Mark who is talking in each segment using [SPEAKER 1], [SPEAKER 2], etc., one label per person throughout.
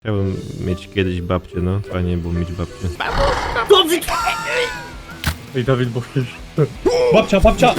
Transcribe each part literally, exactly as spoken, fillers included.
[SPEAKER 1] Chciałbym mieć kiedyś babcię, no. Fajnie było mieć babcię.
[SPEAKER 2] Dawid! Ej, Dawid, bo wiesz. Babcia, babcia!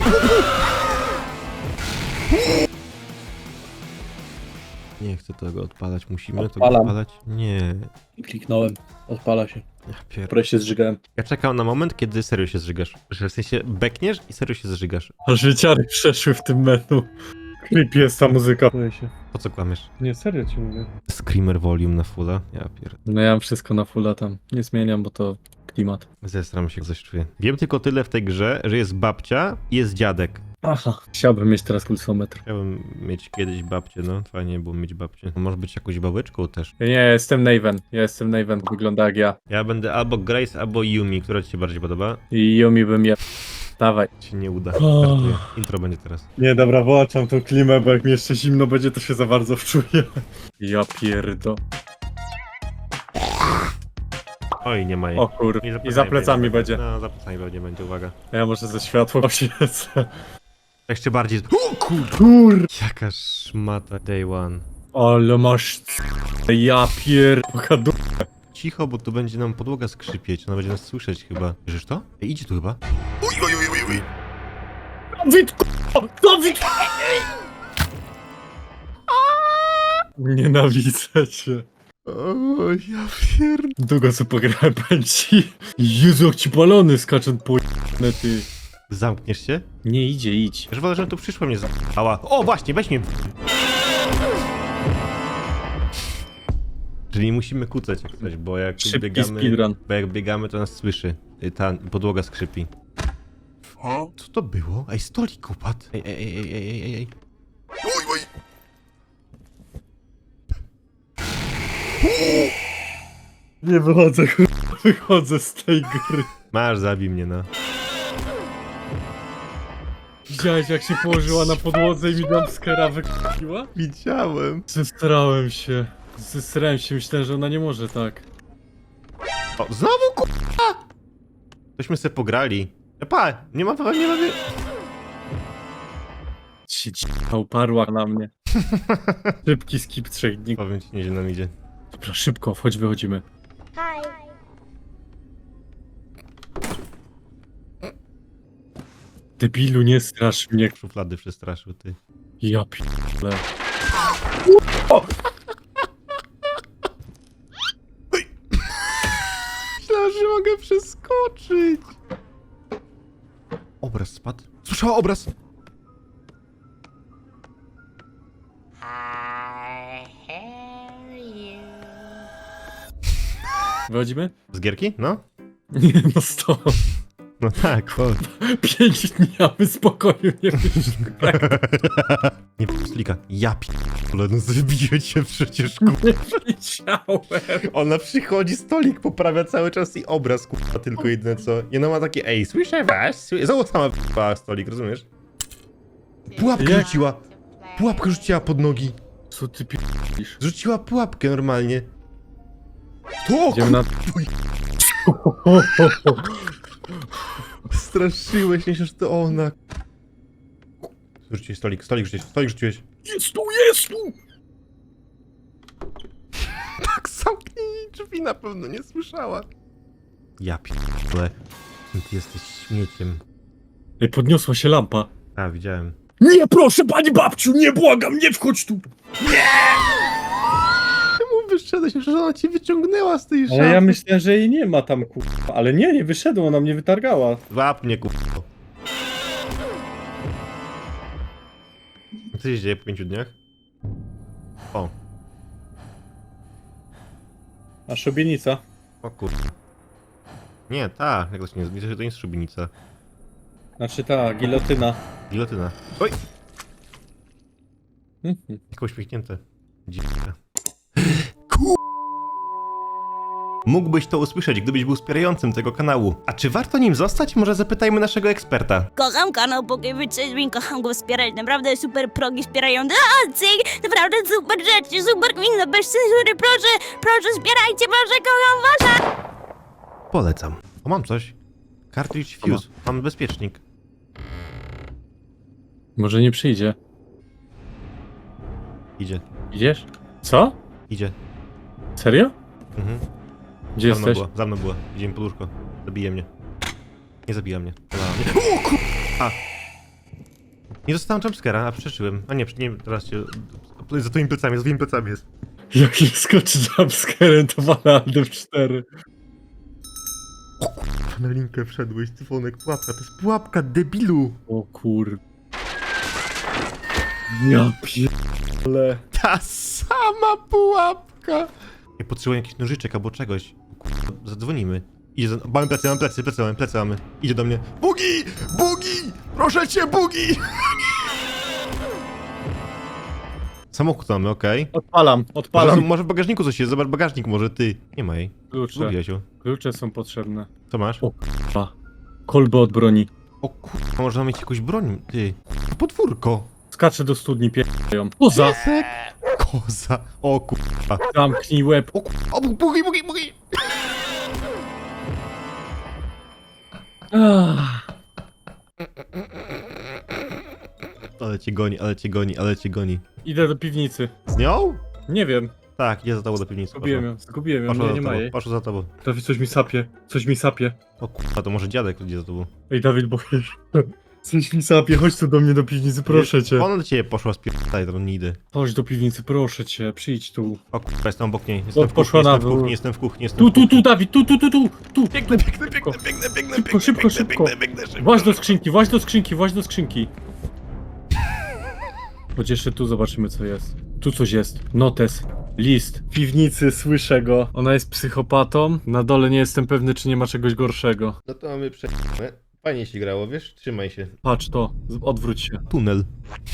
[SPEAKER 1] Nie chcę tego odpalać, musimy
[SPEAKER 2] Odpalam.
[SPEAKER 1] to odpalać? Nie.
[SPEAKER 2] Kliknąłem, odpala się.
[SPEAKER 1] Ja pier...
[SPEAKER 2] Wreszcie zżygałem.
[SPEAKER 1] Ja czekam na moment, kiedy serio się zżygasz. Że w sensie bekniesz i serio się zżygasz.
[SPEAKER 2] Aż życiary przeszły w tym menu. Creepy jest ta muzyka. Boję się.
[SPEAKER 1] Po co kłamiesz?
[SPEAKER 2] Nie, serio ci mówię.
[SPEAKER 1] Screamer volume na fulla? Ja pier...
[SPEAKER 2] No ja mam wszystko na fulla tam. Nie zmieniam, bo to klimat.
[SPEAKER 1] Zestram się, coś czuję. Wiem tylko tyle w tej grze, że jest babcia i jest dziadek.
[SPEAKER 2] Aha. Chciałbym mieć teraz pulsometr.
[SPEAKER 1] Chciałbym mieć kiedyś babcię, no. Fajnie było mieć babcię. Może być jakąś babeczką też.
[SPEAKER 2] Ja nie, jestem Naven. Ja jestem Naven, wygląda jak ja.
[SPEAKER 1] Ja będę albo Grace, albo Yumi. Która ci się bardziej podoba?
[SPEAKER 2] I Yumi bym je... Dawaj.
[SPEAKER 1] Ci nie uda.
[SPEAKER 2] Oh.
[SPEAKER 1] Żartuję. Intro będzie teraz.
[SPEAKER 2] Nie, dobra, wyłączam tą klimę, bo jak mi jeszcze zimno będzie, to się za bardzo wczuję. Ja pierdo.
[SPEAKER 1] Oj, nie ma jej.
[SPEAKER 2] O kur...
[SPEAKER 1] Nie
[SPEAKER 2] I za plecami będzie.
[SPEAKER 1] No, za plecami pewnie będzie, uwaga.
[SPEAKER 2] Ja może ze światła oświecę.
[SPEAKER 1] Jeszcze bardziej. O kur...
[SPEAKER 2] Kur...
[SPEAKER 1] Jaka szmata. Day one.
[SPEAKER 2] Ale masz... Ja pierdolę.
[SPEAKER 1] Cicho, bo tu będzie nam podłoga skrzypieć. Ona będzie nas słyszeć chyba. Bierzesz to? Ej, idzie tu chyba.
[SPEAKER 2] Dawid, Dawid! Nienawidzę cię.
[SPEAKER 1] O, ja pierd...
[SPEAKER 2] Długo co pograłem pęci. Jezu, jak ci balony skaczą po ty.
[SPEAKER 1] Zamkniesz się?
[SPEAKER 2] Nie idzie, idź.
[SPEAKER 1] Już wolę, że tu przyszło mnie za***ała. O, właśnie, weź mnie. Czyli musimy kucać jak coś, bo jak tu
[SPEAKER 2] Szybki
[SPEAKER 1] biegamy,
[SPEAKER 2] speedrun.
[SPEAKER 1] bo jak biegamy, to nas słyszy. Y, Ta podłoga skrzypi. Co to było? Ej, stolik upadł. Ej, ej, ej, ej, ej, ej, ej.
[SPEAKER 2] Nie wychodzę, kurwa, wychodzę z tej gry.
[SPEAKER 1] Masz, zabij mnie, no.
[SPEAKER 2] Widziałeś, jak się położyła na podłodze i mi jumpscare'a wykupiła?
[SPEAKER 1] Widziałem.
[SPEAKER 2] Zestrałem się. Zestrałem się, myślałem, że ona nie może tak.
[SPEAKER 1] O, znowu k***a! Tośmy sobie pograli. E, Pa, nie ma, nie ma...
[SPEAKER 2] Ci dzika uparła na mnie. Szybki skip trzech dni.
[SPEAKER 1] Powiem ci, nieźle nam idzie.
[SPEAKER 2] Dobra, szybko, wchodź, wychodzimy.
[SPEAKER 3] Hi.
[SPEAKER 2] Debilu, nie strasz mnie.
[SPEAKER 1] Szuflady przestraszył, ty.
[SPEAKER 2] Ja p***le.
[SPEAKER 1] Myślałem, że mogę przeskoczyć. Obraz spadł. Słyszała obraz.
[SPEAKER 2] Wychodzimy?
[SPEAKER 1] Z gierki? No.
[SPEAKER 2] Nie, no stop.
[SPEAKER 1] No tak, chodź.
[SPEAKER 2] Pięć dni, a my spokoju nie wyszli.
[SPEAKER 1] Nie slika. Ja p***le, no zabiję cię przecież, ku...
[SPEAKER 2] Nie wiedziałem.
[SPEAKER 1] Ona przychodzi, stolik poprawia cały czas i obraz, kurwa, tylko jedyne co. I ona ma takie, ej, słyszę was, słyszę... Znowu sama p***a stolik, rozumiesz? Pułapkę
[SPEAKER 2] Jak?
[SPEAKER 1] rzuciła. Pułapkę rzuciła pod nogi.
[SPEAKER 2] Co ty p***isz?
[SPEAKER 1] Rzuciła pułapkę normalnie. To
[SPEAKER 2] Idziemy na...
[SPEAKER 1] straszyłeś mnie, że to ona. Rzuciłeś stolik, stolik rzuciłeś, stolik rzuciłeś.
[SPEAKER 2] Jest tu, jest tu!
[SPEAKER 1] Tak, zamknij jej drzwi, na pewno nie słyszała. Ja p***le. Ty jesteś śmieciem.
[SPEAKER 2] Ej, podniosła się lampa.
[SPEAKER 1] A, widziałem.
[SPEAKER 2] Nie, proszę, pani babciu, nie błagam, nie wchodź tu!
[SPEAKER 1] Czemu wyszedłeś? Że ona cię wyciągnęła z tej szafy.
[SPEAKER 2] Ale ja myślałem, że jej nie ma tam, kurwa. Ale nie, nie wyszedł, ona mnie wytargała.
[SPEAKER 1] Łap mnie, kurwa. Co się dzieje po pięciu dniach? O,
[SPEAKER 2] A szubienica?
[SPEAKER 1] o kurwa. Nie, ta, jak to się nie widzę, że to nie jest szubienica.
[SPEAKER 2] Znaczy ta, gilotyna.
[SPEAKER 1] Gilotyna. Oj!
[SPEAKER 2] Mhm.
[SPEAKER 1] Jak uśmiechnięte. Dziwka. Ku... Mógłbyś to usłyszeć, gdybyś był wspierającym tego kanału. A czy warto nim zostać? Może zapytajmy naszego eksperta.
[SPEAKER 3] Kocham kanał Pokiewicz Sejmin, kocham go wspierać, naprawdę super progi wspierają dancing, naprawdę super rzeczy, super gmina, bez cenzury, proszę, proszę wspierajcie, proszę, kocham was!
[SPEAKER 1] Polecam. O, mam coś. Cartridge Fuse. Mam bezpiecznik.
[SPEAKER 2] Może nie przyjdzie.
[SPEAKER 1] Idzie.
[SPEAKER 2] Idziesz? Co?
[SPEAKER 1] Idzie.
[SPEAKER 2] Serio?
[SPEAKER 1] Mhm.
[SPEAKER 2] Gdzie
[SPEAKER 1] Za mną
[SPEAKER 2] jesteś?
[SPEAKER 1] była, za mną była. Idziemy pod łóżko. Zabije mnie. Nie zabija mnie. Polała mnie. O kurwa! Nie dostałem jumpscare'a, a przeczyłem. A nie, nie, teraz cię... Za twoimi plecami, za twoimi plecami jest.
[SPEAKER 2] Jak nie skoczy jumpscarem, to wala Aldo w cztery.
[SPEAKER 1] Na linkę wszedłeś, cyfonek, pułapka. To jest pułapka, debilu!
[SPEAKER 2] O kur... Ja pierdolę.
[SPEAKER 1] Ta sama pułapka! Nie potrzebuję jakichś nożyczek albo czegoś. Kurwa, zadzwonimy. Idzie za... Mamy plecy, mamy plecy, plecy mamy, plecy mamy. Idzie do mnie. Bugi! Bugi! Proszę cię, Bugi! Samochód mamy, okej.
[SPEAKER 2] Odpalam,
[SPEAKER 1] Może,
[SPEAKER 2] odpalam.
[SPEAKER 1] może w bagażniku coś jest, zobacz bagażnik może, ty. Nie ma jej.
[SPEAKER 2] Klucze.
[SPEAKER 1] Lubię się.
[SPEAKER 2] Klucze są potrzebne.
[SPEAKER 1] Co masz?
[SPEAKER 2] O kurwa. Kolby od broni.
[SPEAKER 1] O kurwa, można mieć jakąś broń, ty. Podwórko.
[SPEAKER 2] Skaczę do studni, pierdolą. Poza!
[SPEAKER 1] Piesek. Koza. O kurwa.
[SPEAKER 2] Zamknij łeb.
[SPEAKER 1] O kurwa, o, bugi, bugi, bugi.
[SPEAKER 2] Ach.
[SPEAKER 1] Ale cię goni, ale cię goni, ale cię goni.
[SPEAKER 2] Idę do piwnicy.
[SPEAKER 1] Z nią?
[SPEAKER 2] Nie wiem.
[SPEAKER 1] Tak, idzie za tobą do piwnicy.
[SPEAKER 2] Zgubiłem ją, zgubiłem ją,
[SPEAKER 1] Poszła
[SPEAKER 2] nie,
[SPEAKER 1] za
[SPEAKER 2] nie ma
[SPEAKER 1] tobą,
[SPEAKER 2] jej.
[SPEAKER 1] poszła za tobą.
[SPEAKER 2] Dawid, coś mi sapie, coś mi sapie.
[SPEAKER 1] O kurwa, to może dziadek idzie za tobą.
[SPEAKER 2] Ej, Dawid, bo coś mi sapie, chodź tu do mnie do piwnicy, proszę cię.
[SPEAKER 1] Ona do ciebie poszła z pierdolaj, to nie idę.
[SPEAKER 2] Chodź do piwnicy, proszę cię, przyjdź tu.
[SPEAKER 1] O kurwa, jestem obok niej. Jestem
[SPEAKER 2] O,
[SPEAKER 1] w kuchni,
[SPEAKER 2] poszła
[SPEAKER 1] jestem
[SPEAKER 2] na
[SPEAKER 1] w
[SPEAKER 2] dół.
[SPEAKER 1] kuchni, jestem w kuchni, jestem
[SPEAKER 2] Tu,
[SPEAKER 1] w
[SPEAKER 2] tu,
[SPEAKER 1] kuchni.
[SPEAKER 2] tu, Dawid, tu, tu, tu, tu, tu.
[SPEAKER 1] Biegnę, biegnę, biegnę,
[SPEAKER 2] Szybko.
[SPEAKER 1] biegnę, biegnę,
[SPEAKER 2] Szybko, szybko,
[SPEAKER 1] biegnę,
[SPEAKER 2] szybko.
[SPEAKER 1] biegnę, biegnę, szybko.
[SPEAKER 2] Właź do skrzynki, właź do skrzynki, właź do skrzynki. Chodź jeszcze tu, zobaczymy co jest. Tu coś jest. Notes. List. W piwnicy, słyszę go. Ona jest psychopatą. Na dole nie jestem pewny, czy nie ma czegoś gorszego.
[SPEAKER 1] No to mamy prze... Fajnie się grało, wiesz? Trzymaj się.
[SPEAKER 2] Patrz to, z- odwróć się.
[SPEAKER 1] Tunel.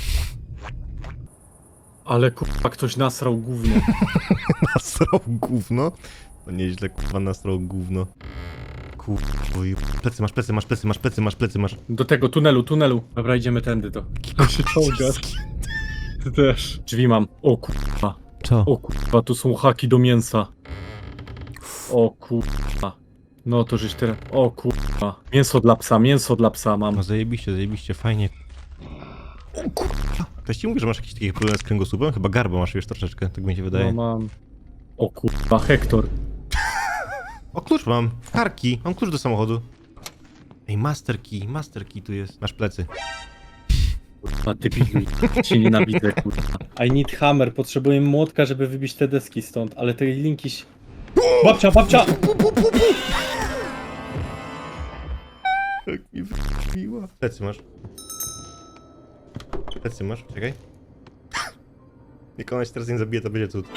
[SPEAKER 2] Ale kurwa, ktoś nasrał gówno.
[SPEAKER 1] Nasrał gówno? No nieźle, kurwa, nasrał gówno. Kurwa, oj, plecy masz, plecy masz, plecy masz, plecy masz, plecy masz.
[SPEAKER 2] Do tego tunelu, tunelu. Dobra, idziemy tędy to. To się czołgasz. Ty też. Drzwi mam. O kurwa.
[SPEAKER 1] Co?
[SPEAKER 2] O kurwa, tu są haki do mięsa. O kurwa. No to żeś teraz. O kurwa. Mięso dla psa, mięso dla psa mam.
[SPEAKER 1] No zajebiście, zajebiście, fajnie. O kurwa. Ktoś ci mówi, że masz jakiś taki problem z kręgosłupem? Chyba garba masz już troszeczkę, tak mi się wydaje.
[SPEAKER 2] No mam. O kurwa, Hektor.
[SPEAKER 1] O, klucz mam. Karki. Mam klucz do samochodu. Ej, master key, master key tu jest. Masz plecy.
[SPEAKER 2] Kurwa, ty pilnuj. Cię nienawidzę, kurwa. I need hammer. Potrzebuję młotka, żeby wybić te deski stąd, ale te linki się... Babcia, babcia!
[SPEAKER 1] Jak mi wybiła. Plecy masz. Plecy masz, czekaj. Jak ona się teraz nie zabije, to będzie cud.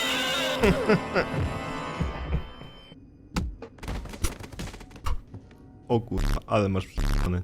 [SPEAKER 1] O kurwa, ale masz przyjemny.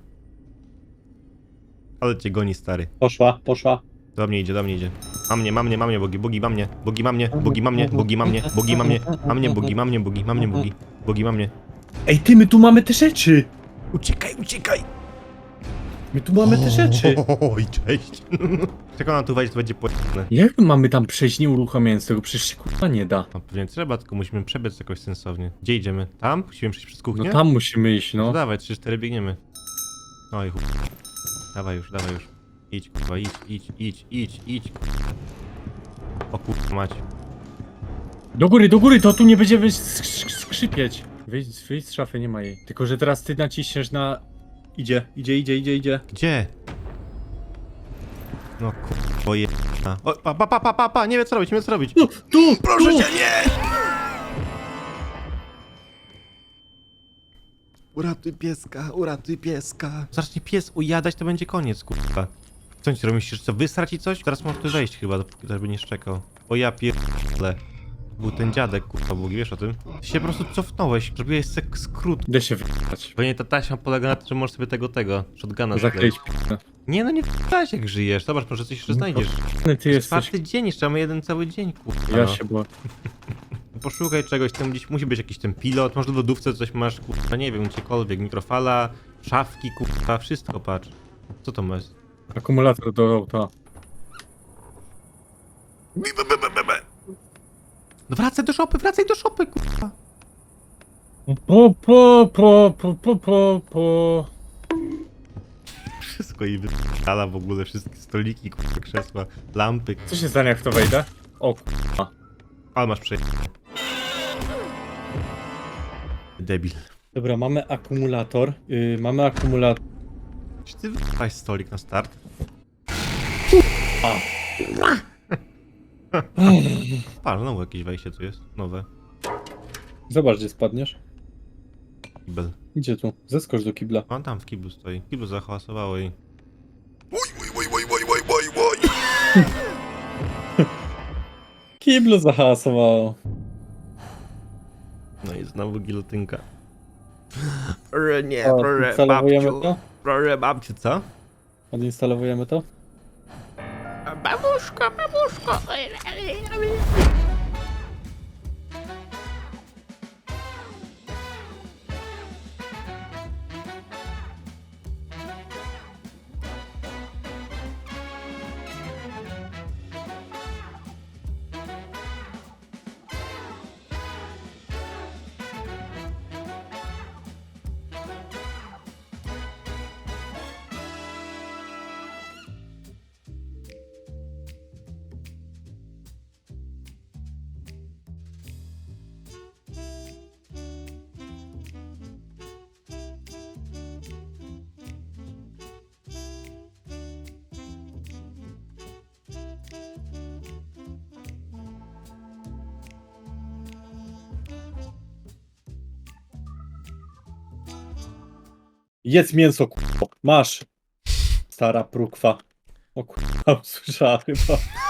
[SPEAKER 1] Ale cię goni, stary.
[SPEAKER 2] Poszła, poszła.
[SPEAKER 1] Do mnie idzie, do mnie idzie. Ma mnie, ma mnie, ma mnie, bogi, bogi, ma mnie, bogi, ma mnie, bogi, ma mnie, bogi, ma mnie, bogi, ma mnie, ma mnie, bogi, ma mnie, bogi, ma mnie, bogi, bogi, ma mnie.
[SPEAKER 2] Ej, ty, my tu mamy te rzeczy!
[SPEAKER 1] Uciekaj, uciekaj!
[SPEAKER 2] My tu mamy te rzeczy.
[SPEAKER 1] Oj, cześć. Jak ona tu wejdzie, to będzie płatne.
[SPEAKER 2] Jak my mamy tam przejść nie uruchamiając tego? Przecież się kurwa nie da.
[SPEAKER 1] No pewnie trzeba, tylko musimy przebiec jakoś sensownie. Gdzie idziemy? Tam? Musimy przejść przez kuchnię?
[SPEAKER 2] No tam musimy iść,
[SPEAKER 1] No
[SPEAKER 2] no.
[SPEAKER 1] dawaj, trzy cztery biegniemy. Oj, chuj. Dawaj już, dawaj już. Idź, kurwa, idź, idź, idź, idź, idź. O kurwa mać.
[SPEAKER 2] Do góry, do góry, to tu nie będzie sk- sk- skrzypieć. Wyjdź, wyjdź z szafy, nie ma jej. Tylko, że teraz ty naciśniesz na... Idzie, idzie, idzie, idzie, idzie.
[SPEAKER 1] Gdzie? No kurwa, je... O, pa, pa, pa, pa, pa, pa, nie wiem co robić, nie wiem co robić.
[SPEAKER 2] Tu, tu,
[SPEAKER 1] Proszę
[SPEAKER 2] tu.
[SPEAKER 1] cię, nie! Uratuj pieska, uratuj pieska. Zacznie pies ujadać, to będzie koniec, kurwa. Co ci robisz? Chcesz co, wysrać i coś? Teraz możesz tu wejść chyba, żeby nie szczekał. O ja pierdolę. Był ten dziadek, kurwa, Bogi, wiesz o tym? Ty się po prostu cofnąłeś, zrobiłeś sek skrót.
[SPEAKER 2] Idę się wyjechać.
[SPEAKER 1] Pewnie ta taśma polega na tym, że możesz sobie tego, tego, shotguna
[SPEAKER 2] Zakleić
[SPEAKER 1] zakleić.
[SPEAKER 2] p***.
[SPEAKER 1] Nie no, nie w jak żyjesz. Zobacz, może coś jeszcze znajdziesz.
[SPEAKER 2] Ty
[SPEAKER 1] To jest
[SPEAKER 2] jesteś...
[SPEAKER 1] czwarty dzień, jeszcze mamy jeden cały dzień, kurwa.
[SPEAKER 2] Ja
[SPEAKER 1] no.
[SPEAKER 2] się boję.
[SPEAKER 1] Poszukaj czegoś, tam gdzieś musi być jakiś ten pilot, może w lodówce coś masz, kurwa, nie wiem, gdziekolwiek, mikrofala, szafki, kurwa, wszystko, patrz. Co to masz?
[SPEAKER 2] Akumulator do auta.
[SPEAKER 1] No wracaj do szopy, wracaj do szopy, kurwa.
[SPEAKER 2] Po, po, po, po, po, po, po.
[SPEAKER 1] Wszystko jej wypala w ogóle, wszystkie stoliki, kurwa, krzesła, lampy.
[SPEAKER 2] Co się stanie, jak w to wejdę? O kurwa.
[SPEAKER 1] Ale masz przejście. debil.
[SPEAKER 2] Dobra, mamy akumulator. Yy, mamy akumulator.
[SPEAKER 1] Czy ty wypałeś stolik na start?
[SPEAKER 2] A.
[SPEAKER 1] Patrz, znowu jakieś wejście tu jest, nowe.
[SPEAKER 2] Zobacz, gdzie spadniesz.
[SPEAKER 1] Kibel.
[SPEAKER 2] Idzie tu. Zeskocz do kibla.
[SPEAKER 1] On tam w kiblu stoi. Kiblu zahałasowało i...
[SPEAKER 2] Kiblu zahasowało.
[SPEAKER 1] No i znowu gilotynka. Proszę nie,
[SPEAKER 2] O,
[SPEAKER 1] proszę
[SPEAKER 2] instalowujemy
[SPEAKER 1] babciu.
[SPEAKER 2] to?
[SPEAKER 1] Proszę babciu, co?
[SPEAKER 2] Odinstalowujemy to?
[SPEAKER 3] Babuszko, babuszko.
[SPEAKER 2] Jedz mięso, kurwa. Masz. Stara prukwa. O kurwa, usłyszała chyba.